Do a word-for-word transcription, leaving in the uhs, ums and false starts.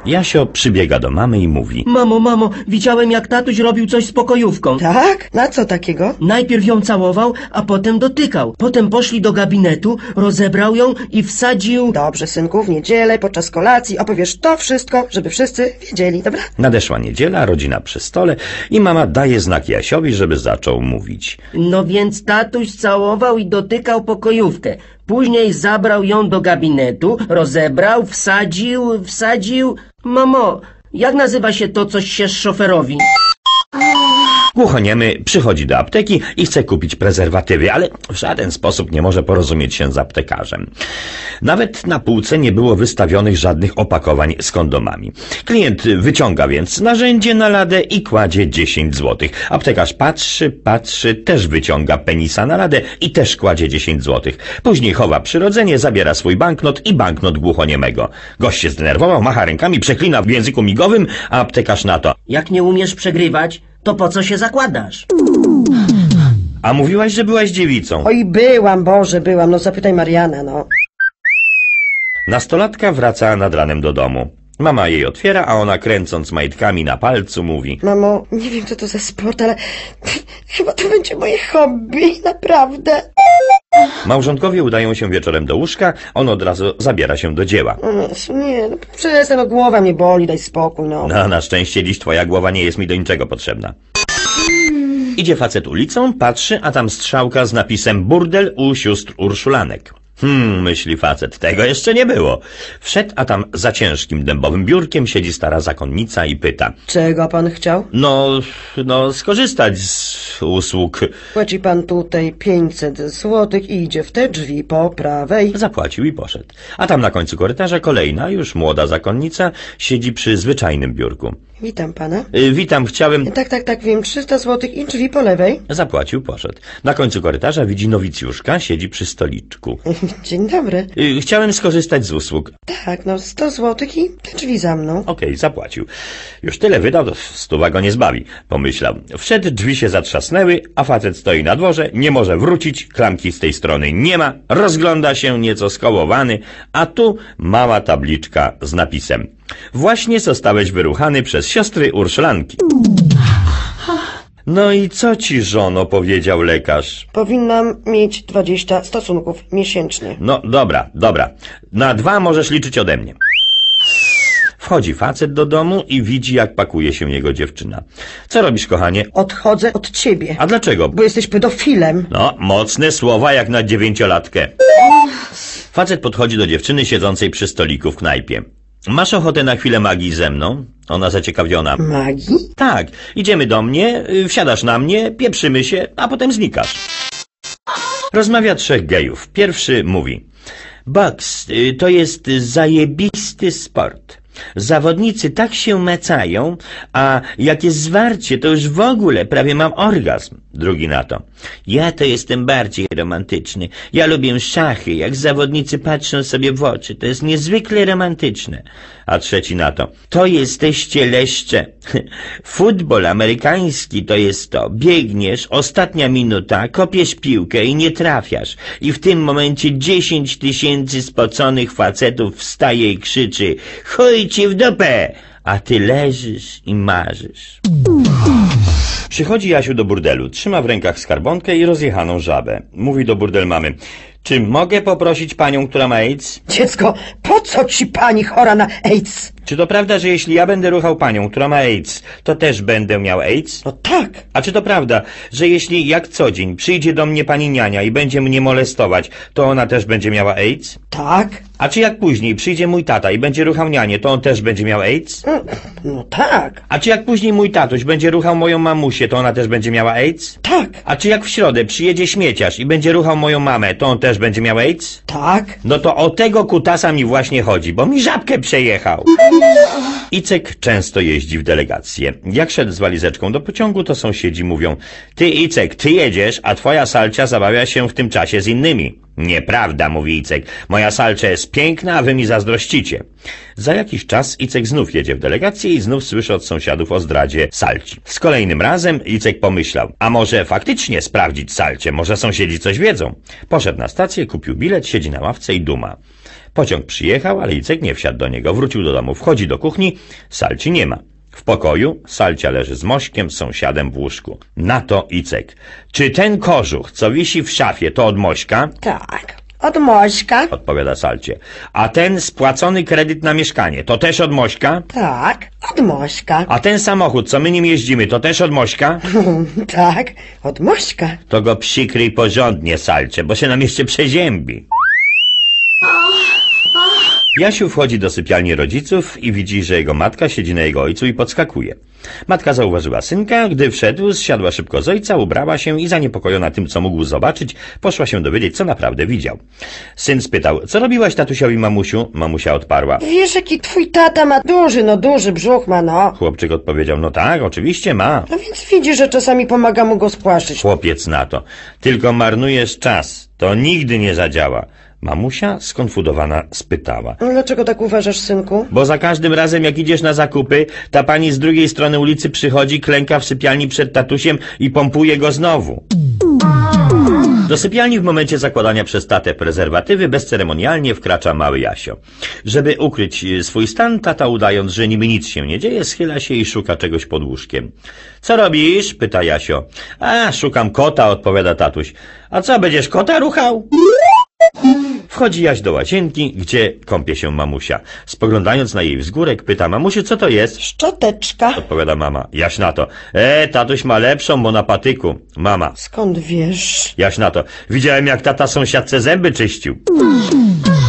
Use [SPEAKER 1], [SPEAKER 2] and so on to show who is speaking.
[SPEAKER 1] Jasio przybiega do mamy i mówi:
[SPEAKER 2] Mamo, mamo, widziałem jak tatuś robił coś z pokojówką.
[SPEAKER 3] Tak? Na co takiego?
[SPEAKER 2] Najpierw ją całował, a potem dotykał. Potem poszli do gabinetu, rozebrał ją i wsadził...
[SPEAKER 3] Dobrze, synku, w niedzielę, podczas kolacji opowiesz to wszystko, żeby wszyscy wiedzieli, dobra?
[SPEAKER 1] Nadeszła niedziela, rodzina przy stole i mama daje znak Jasiowi, żeby zaczął mówić.
[SPEAKER 2] No więc tatuś całował i dotykał pokojówkę. Później zabrał ją do gabinetu, rozebrał, wsadził, wsadził... Mamo, jak nazywa się to, coś się szoferowi?
[SPEAKER 1] Głuchoniemy przychodzi do apteki i chce kupić prezerwatywy, ale w żaden sposób nie może porozumieć się z aptekarzem. Nawet na półce nie było wystawionych żadnych opakowań z kondomami. Klient wyciąga więc narzędzie na ladę i kładzie dziesięć złotych. Aptekarz patrzy, patrzy, też wyciąga penisa na ladę i też kładzie dziesięć złotych. Później chowa przyrodzenie, zabiera swój banknot i banknot głuchoniemego. Gość się zdenerwował, macha rękami, przeklina w języku migowym, a aptekarz na to:
[SPEAKER 2] Jak nie umiesz przegrywać, to po co się zakładasz?
[SPEAKER 1] A mówiłaś, że byłaś dziewicą.
[SPEAKER 3] Oj, byłam, Boże, byłam, no zapytaj Mariana, no.
[SPEAKER 1] Nastolatka wraca nad ranem do domu. Mama jej otwiera, a ona kręcąc majtkami na palcu mówi:
[SPEAKER 3] Mamo, nie wiem co to za sport, ale chyba to będzie moje hobby, naprawdę.
[SPEAKER 1] Małżonkowie udają się wieczorem do łóżka, on od razu zabiera się do dzieła.
[SPEAKER 3] Nie, no przestań, no głowa mnie boli, daj spokój, no.
[SPEAKER 1] No, na szczęście dziś twoja głowa nie jest mi do niczego potrzebna. Idzie facet ulicą, patrzy, a tam strzałka z napisem burdel u sióstr Urszulanek. Hmm, myśli facet, tego jeszcze nie było. Wszedł, a tam za ciężkim dębowym biurkiem siedzi stara zakonnica i pyta:
[SPEAKER 3] Czego pan chciał?
[SPEAKER 1] No, no, skorzystać z usług.
[SPEAKER 3] Płaci pan tutaj pięćset złotych i idzie w te drzwi po prawej.
[SPEAKER 1] Zapłacił i poszedł. A tam na końcu korytarza kolejna, już młoda zakonnica, siedzi przy zwyczajnym biurku.
[SPEAKER 3] Witam pana.
[SPEAKER 1] Y, witam, chciałem...
[SPEAKER 3] Tak, tak, tak, wiem, trzysta złotych i drzwi po lewej.
[SPEAKER 1] Zapłacił, poszedł. Na końcu korytarza widzi nowicjuszka, siedzi przy stoliczku.
[SPEAKER 3] Dzień dobry.
[SPEAKER 1] Y, chciałem skorzystać z usług.
[SPEAKER 3] Tak, no sto złotych i te drzwi za mną.
[SPEAKER 1] Okej, okay, zapłacił. Już tyle wydał, to stuwa go nie zbawi, pomyślał. Wszedł, drzwi się zatrzasnęły, a facet stoi na dworze, nie może wrócić, klamki z tej strony nie ma, rozgląda się nieco skołowany, a tu mała tabliczka z napisem: właśnie zostałeś wyruchany przez siostry Urszulanki. No i co ci, żono, powiedział lekarz?
[SPEAKER 3] Powinnam mieć dwadzieścia stosunków miesięcznie.
[SPEAKER 1] No dobra, dobra. Na dwa możesz liczyć ode mnie. Wchodzi facet do domu i widzi, jak pakuje się jego dziewczyna. Co robisz, kochanie?
[SPEAKER 3] Odchodzę od ciebie.
[SPEAKER 1] A dlaczego?
[SPEAKER 3] Bo jesteś pedofilem.
[SPEAKER 1] No, mocne słowa jak na dziewięciolatkę. Facet podchodzi do dziewczyny siedzącej przy stoliku w knajpie. Masz ochotę na chwilę magii ze mną? Ona zaciekawiona.
[SPEAKER 3] Magii?
[SPEAKER 1] Tak, idziemy do mnie, wsiadasz na mnie, pieprzymy się, a potem znikasz. Rozmawia trzech gejów. Pierwszy mówi: boks to jest zajebisty sport. Zawodnicy tak się macają, a jak jest zwarcie, to już w ogóle prawie mam orgazm. Drugi na to: ja to jestem bardziej romantyczny. Ja lubię szachy, jak zawodnicy patrzą sobie w oczy. To jest niezwykle romantyczne. A trzeci na to: to jesteście leszcze. Futbol amerykański to jest to. Biegniesz, ostatnia minuta, kopiesz piłkę i nie trafiasz. I w tym momencie dziesięć tysięcy spoconych facetów wstaje i krzyczy: chuj ci w dupę! A ty leżysz i marzysz. Przychodzi Jasiu do burdelu, trzyma w rękach skarbonkę i rozjechaną żabę. Mówi do burdel mamy: czy mogę poprosić panią, która ma AIDS?
[SPEAKER 3] Dziecko, po co ci pani chora na AIDS?
[SPEAKER 1] Czy to prawda, że jeśli ja będę ruchał panią, która ma AIDS, to też będę miał AIDS?
[SPEAKER 3] No tak.
[SPEAKER 1] A czy to prawda, że jeśli jak co dzień przyjdzie do mnie pani niania i będzie mnie molestować, to ona też będzie miała AIDS?
[SPEAKER 3] Tak.
[SPEAKER 1] A czy jak później przyjdzie mój tata i będzie ruchał nianię, to on też będzie miał AIDS?
[SPEAKER 3] No tak.
[SPEAKER 1] A czy jak później mój tatuś będzie ruchał moją mamusię, to ona też będzie miała AIDS?
[SPEAKER 3] Tak.
[SPEAKER 1] A czy jak w środę przyjedzie śmieciarz i będzie ruchał moją mamę, to on też będzie miał AIDS?
[SPEAKER 3] Tak.
[SPEAKER 1] No to o tego kutasa mi właśnie chodzi, bo mi żabkę przejechał. Icek często jeździ w delegację. Jak szedł z walizeczką do pociągu, to sąsiedzi mówią: ty, Icek, ty jedziesz, a twoja Salcia zabawia się w tym czasie z innymi. Nieprawda, mówi Icek. Moja Salcia jest piękna, a wy mi zazdrościcie. Za jakiś czas Icek znów jedzie w delegację i znów słyszy od sąsiadów o zdradzie Salci. Z kolejnym razem Icek pomyślał: a może faktycznie sprawdzić Salcię, może sąsiedzi coś wiedzą. Poszedł na stację, kupił bilet, siedzi na ławce i duma. Pociąg przyjechał, ale Icek nie wsiadł do niego. Wrócił do domu, wchodzi do kuchni, Salci nie ma. W pokoju Salcia leży z Mośkiem, sąsiadem w łóżku. Na to Icek. Czy ten kożuch, co wisi w szafie, to od Mośka?
[SPEAKER 3] Tak, od Mośka.
[SPEAKER 1] Odpowiada Salcie. A ten spłacony kredyt na mieszkanie, to też od Mośka?
[SPEAKER 3] Tak, od Mośka.
[SPEAKER 1] A ten samochód, co my nim jeździmy, to też od Mośka?
[SPEAKER 3] Tak, od Mośka.
[SPEAKER 1] To go przykryj porządnie, Salcie, bo się nam jeszcze przeziębi. Jasiu wchodzi do sypialni rodziców i widzi, że jego matka siedzi na jego ojcu i podskakuje. Matka zauważyła synka, gdy wszedł, zsiadła szybko z ojca, ubrała się i zaniepokojona tym, co mógł zobaczyć, poszła się dowiedzieć, co naprawdę widział. Syn spytał, co robiłaś tatusiowi, mamusiu? Mamusia odparła.
[SPEAKER 3] Wiesz, jaki twój tata ma duży, no duży brzuch ma, no.
[SPEAKER 1] Chłopczyk odpowiedział, no tak, oczywiście ma.
[SPEAKER 3] No więc widzisz, że czasami pomaga mu go spłaszczyć.
[SPEAKER 1] Chłopiec na to. Tylko marnujesz czas. To nigdy nie zadziała. Mamusia skonfudowana spytała.
[SPEAKER 3] Dlaczego tak uważasz, synku?
[SPEAKER 1] Bo za każdym razem, jak idziesz na zakupy, ta pani z drugiej strony ulicy przychodzi, klęka w sypialni przed tatusiem i pompuje go znowu. Do sypialni w momencie zakładania przez tatę prezerwatywy bezceremonialnie wkracza mały Jasio. Żeby ukryć swój stan, tata, udając, że niby nic się nie dzieje, schyla się i szuka czegoś pod łóżkiem. Co robisz? Pyta Jasio. A, szukam kota, odpowiada tatuś. A co, będziesz kota ruchał? Wchodzi Jaś do łazienki, gdzie kąpie się mamusia. Spoglądając na jej wzgórek, pyta, mamusiu, co to jest?
[SPEAKER 3] Szczoteczka.
[SPEAKER 1] Odpowiada mama. Jaś na to. E, tatuś ma lepszą, bo na patyku. Mama.
[SPEAKER 3] Skąd wiesz?
[SPEAKER 1] Jaś na to. Widziałem, jak tata sąsiadce zęby czyścił.